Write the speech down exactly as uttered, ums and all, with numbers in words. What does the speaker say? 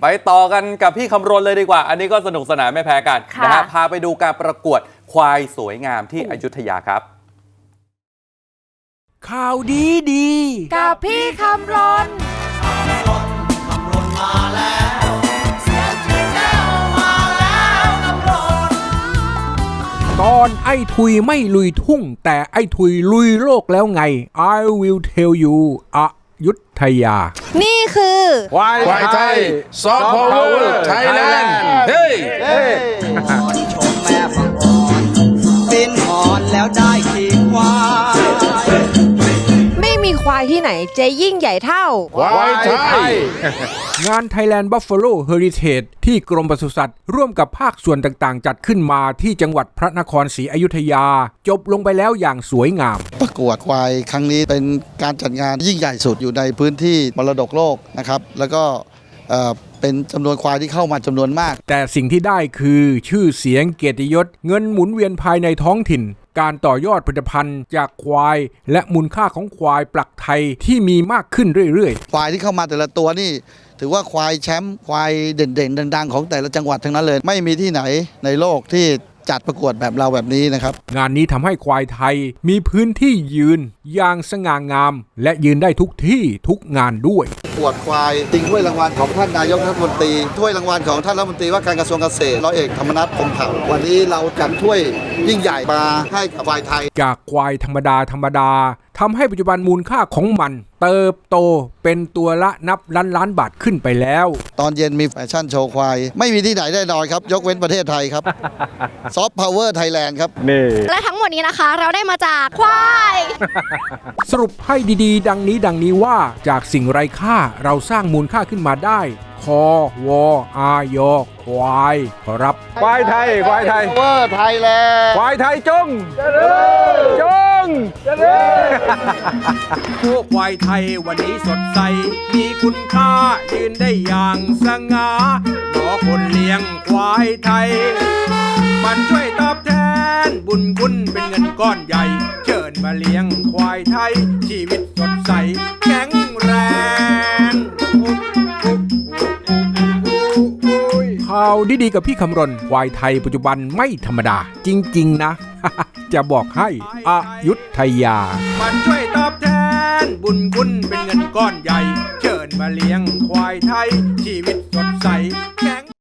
ไปต่อกันกับพี่คำรณเลยดีกว่าอันนี้ก็สนุกสนานไม่แพ้กันนะฮะพาไปดูการประกวดควายสวยงามที่อยุธยาครับข่าวดีดีกับพี่คำรณตอนไอ้ทุยไม่ลุยทุ่งแต่ไอ้ทุยลุยโลกแล้วไง I will tell you อยุธยานี่คือควายไทยซอฟต์พาวเวอร์ไทยแลนด์เฮ้ยชมแม่ฟังอ่อนเป็นอ่อนแล้วได้ขี่ควายไม่มีควายที่ไหนจะยิ่งใหญ่เท่าควายไทยงาน Thailand Buffalo Heritage ที่กรมปศุสัตว์ร่วมกับภาคส่วนต่างๆจัดขึ้นมาที่จังหวัดพระนครศรีอยุธยาจบลงไปแล้วอย่างสวยงามประกวดควายครั้งนี้เป็นการจัดงานยิ่งใหญ่สุดอยู่ในพื้นที่มรดกโลกนะครับแล้วก็เป็นจำนวนควายที่เข้ามาจำนวนมากแต่สิ่งที่ได้คือชื่อเสียงเกียรติยศเงินหมุนเวียนภายในท้องถิ่นการต่อยอดผลิตภัณฑ์จากควายและมูลค่าของควายปลักไทยที่มีมากขึ้นเรื่อยๆควายที่เข้ามาแต่ละตัวนี่ถือว่าควายแชมป์ควายเด่นๆดังๆของแต่ละจังหวัดทั้งนั้นเลยไม่มีที่ไหนในโลกที่จัดประกวดแบบเราแบบนี้นะครับงานนี้ทำให้ควายไทยมีพื้นที่ยืนอย่างสง่างามและยืนได้ทุกที่ทุกงานด้วยประกวดควายจริงถ้วยรางวัลของท่านนายกรัฐมนตรีถ้วยรางวัลของท่านรัฐมนตรีว่าการกระทรวงเกษตรร้อยเอกธรรมนัสพรหมเผ่าวันนี้เราจัดถ้วยยิ่งใหญ่มาให้กับควายไทยจากควายธรรมดาธรรมดาทำให้ปัจจุบันมูลค่าของมันเติบโตเป็นตัวละนับล้านล้านบาทขึ้นไปแล้วตอนเย็นมีแฟชั่นโชว์ควายไม่มีที่ไหนแน่นอนครับยกเว้นประเทศไทยครับซอฟต์พาวเวอร์ไทยแลนด์ครับนี่และทั้งหมดนี้นะคะเราได้มาจากควายสรุปให้ดีๆดังนี้ดังนี้ว่าจากสิ่งไร้ค่าเราสร้างมูลค่าขึ้นมาได้คอวออายอควายขอรับควายไทยควายไทยเวอร์ไทยแลนด์ควายไทยจงจงพวกควายไทยวันนี้สดใสมีคุณค่ายืนได้อย่างสง่าหนอคนเลี้ยงควายไทยมันช่วยตอบแทนบุญคุณเป็นเงินก้อนใหญ่เชิญมาเลี้ยงควายไทยชีวิตสดใสแข็งแรงข่าวดีๆกับพี่คำรณควายไทยปัจจุบันไม่ธรรมดาจริงๆนะ จะบอกให้อยุธยามันช่วยตอบแทนบุญคุณเป็นเงินก้อนใหญ่เชิญมาเลี้ยงควายไทยชีวิตสดใสแข็ง